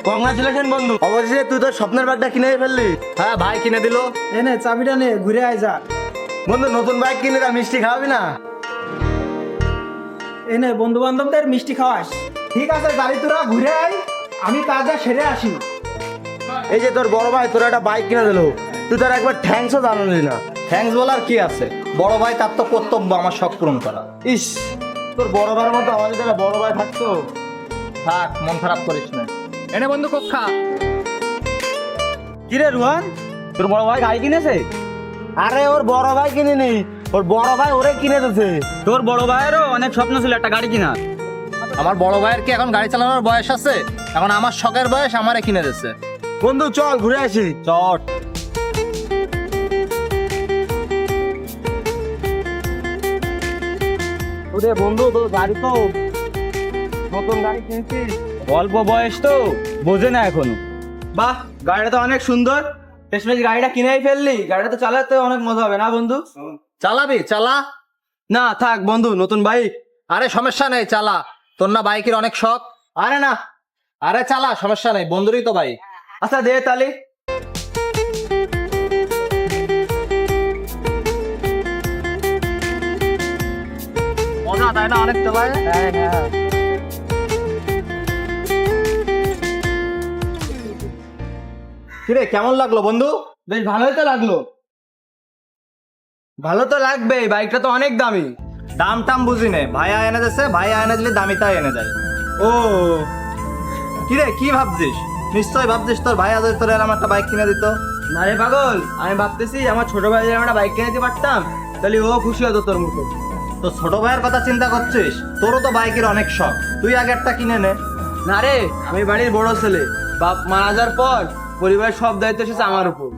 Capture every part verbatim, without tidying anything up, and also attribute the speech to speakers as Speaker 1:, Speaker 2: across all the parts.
Speaker 1: Congratulation বন্ধু, অবশেষে তুই তোর স্বপ্নের বাইকটা কিনে ফেললি।
Speaker 2: হ্যাঁ ভাই কিনে দিল।
Speaker 3: এনে চাবিটা নে, ঘুরে আয় যা।
Speaker 1: বন্ধু নতুন বাইক কিনে তা মিষ্টি খাওয়াবি না?
Speaker 3: এনে বন্ধু বান্ধবদের মিষ্টি খাওয়াস। ঠিক আছে গাড়ি তোরা ঘুরে আয়, আমি কাজটা সেরে আসি।
Speaker 1: এই যে তোর বড় ভাই তোর একটা বাইক কিনে দিল, তুই তার একবার থ্যাঙ্কসও জানালি না।
Speaker 2: থ্যাঙ্কস বলার কি আছে, বড় ভাই তার তো কর্তব্য আমার শখ পূরণ করা।
Speaker 1: ইস, তোর বড় ভাইয়ের মতো আমাদের যারা বড় ভাই থাকতো।
Speaker 2: থাক, মন খারাপ করিস না। এনে বন্ধু কক্ষা।
Speaker 1: কিরে রুহান, তোর বড় ভাই গাড়ি কিনেছে? আরে ওর বড় ভাই কিনেনি, ওর বড় ভাই ওরে কিনে দিয়েছে।
Speaker 4: তোর বড় ভাইয়েরও অনেক স্বপ্ন ছিল একটা গাড়ি কিনা।
Speaker 2: আমার বড় ভাইয়ের কি এখন গাড়ি চালানোর বয়স আছে? এখন আমার শখের বয়স আমারে কিনে দিচ্ছে।
Speaker 1: বন্ধু চল ঘুরে আসি।
Speaker 2: চট।
Speaker 1: ওরে বন্ধু, তোর গাড়ি তো নতুন গাড়ি কিনছিস?
Speaker 4: অল্প বয়স তো, বোঝে না এখনো। বাহ, গাড়িটা তো অনেক সুন্দর। শেষমেশ গাড়িটা কিনেই ফেললি, গাড়িটা তো চালাতে অনেক মজা হবে না বন্ধু?
Speaker 2: চালাবি? চালা।
Speaker 4: না থাক বন্ধু, নতুন বাইক।
Speaker 2: আরে সমস্যা নেই, চালা। তোর না বাইকের অনেক শখ?
Speaker 4: আরে না।
Speaker 2: আরে চালা, সমস্যা নেই, বন্ধুরই তো বাইক।
Speaker 4: আচ্ছা দে তাহলে।
Speaker 2: মজা তাই না অনেক চালায়?
Speaker 4: হ্যাঁ হ্যাঁ।
Speaker 2: কিরে কেমন লাগলো বন্ধু?
Speaker 4: বেশ ভালোই তো লাগলো। ভালো তো লাগবে, বাইকটা তো অনেক দামি।
Speaker 2: দাম টাম বুঝি নে, ভাইয়া এনে দিচ্ছে, ভাইয়া এনে দিলে দামিটাই এনে দেয়।
Speaker 4: ও
Speaker 2: কিরে কি ভাবছিস? নিশ্চয় ভাবছিস তোর ভাইয়া যদি তোর এরকম একটা বাইক কিনে দিত।
Speaker 4: না রে পাগল, আমি ভাবতেছি আমার ছোট ভাই যদি একটা বাইক কিনে দিতে পারতাম, তাহলে ও খুশি হতো তোর মতো।
Speaker 2: তো ছোট ভাইয়ের কথা চিন্তা করছিস? তোরও তো বাইকের অনেক শখ, তুই আগে একটা কিনে নে।
Speaker 4: না রে, আমি বাড়ির বড় ছেলে, বাপ মারা যাওয়ার পর পরিবারের সব দায়িত্ব এসেছে আমার উপর।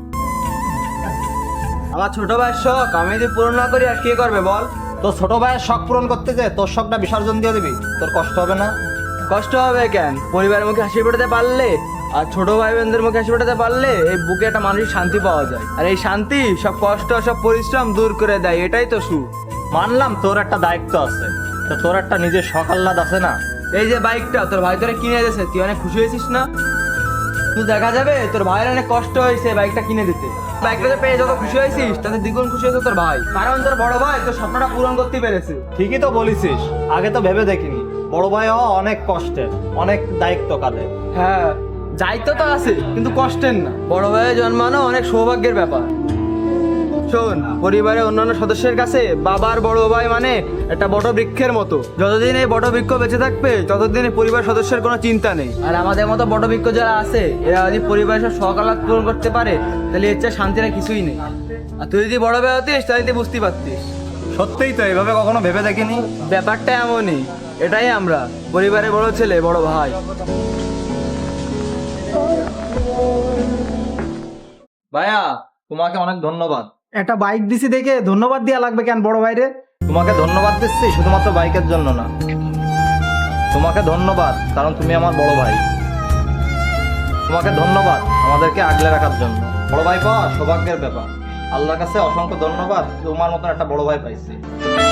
Speaker 4: আমার ছোট ভাইয়ের শখ আমি যদি পূরণ না করি আর কে করবে বল?
Speaker 2: তো ছোট ভাইয়ের শখ পূরণ করতে যে তোর শখটা বিসর্জন দিয়ে দিবি, তোর কষ্ট হবে না?
Speaker 4: কষ্ট হবে কেন? পরিবারের মুখে হাসি ফোটাতে পারলে আর ছোট ভাই বোনদের মুখে হাসি ফোটাতে পারলে এই বুকে একটা মানসিক শান্তি পাওয়া যায়। আর এই শান্তি সব কষ্ট সব পরিশ্রম দূর করে দেয়, এটাই তো সুখ।
Speaker 2: মানলাম তোর একটা দায়িত্ব আছে, তো তোর একটা নিজের শখ আহ্লাদ আছে না?
Speaker 4: এই যে বাইকটা তোর ভাই তোরা কিনে দিয়েছে, তুই অনেক খুশি হয়েছিস না? তুই দেখা যাবে তোর ভাইয়ের অনেক কষ্ট হয়েছে বাইকটা কিনে দিতে। বাইকটা পেয়ে যত খুশি হয়েছিস তাতে দ্বিগুণ খুশি হয়েছে তোর ভাই, কারণ তোর বড় ভাই তোর স্বপ্নটা পূরণ করতে পেরেছে।
Speaker 2: ঠিকই তো বলিসিস, আগে তো ভেবে দেখিনি বড় ভাই হওয়া অনেক কষ্টের, অনেক দায়িত্ব কাঁধে।
Speaker 4: হ্যাঁ, দায়িত্ব তো আছে কিন্তু কষ্টের না। বড় ভাইয়ের জন্মানো অনেক সৌভাগ্যের ব্যাপার। শোন, পরিবারের অন্যান্য সদস্যের কাছে বাবার বড় ভাই মানে একটা বট বৃক্ষের মতো। যতদিন এই বট বৃক্ষ বেঁচে থাকবে ততদিন এই পরিবার সদস্যের কোনো চিন্তা নেই। আর আমাদের মতো বট বৃক্ষ যারা আছে এরা যদি পরিবারের সব শখ আহ্লাদ পূরণ করতে পারে তাহলে এর চেয়ে শান্তির আর কিছুই নেই। আর তুই যদি বড় ভাই হতিস তাহলে তুই বুঝতে পারতিস।
Speaker 2: সত্যিই তো, এইভাবে কখনো ভেবে দেখিনি।
Speaker 4: ব্যাপারটা এমনই, এটাই আমরা পরিবারের বড় ছেলে বড় ভাই।
Speaker 2: ভাইয়া তোমাকে অনেক ধন্যবাদ।
Speaker 3: একটা বাইক দিছি দেখে ধন্যবাদ দেওয়া লাগবে কেন বড় ভাইরে?
Speaker 2: তোমাকে ধন্যবাদ দিচ্ছি শুধুমাত্র বাইকের জন্য না, তোমাকে ধন্যবাদ কারণ তুমি আমার বড় ভাই। তোমাকে ধন্যবাদ আমাদেরকে আগলে রাখার জন্য। বড় ভাই পাওয়া সৌভাগ্যের ব্যাপার, আল্লাহর কাছে অসংখ্য ধন্যবাদ, তোমার মতন একটা বড় ভাই পাইছি।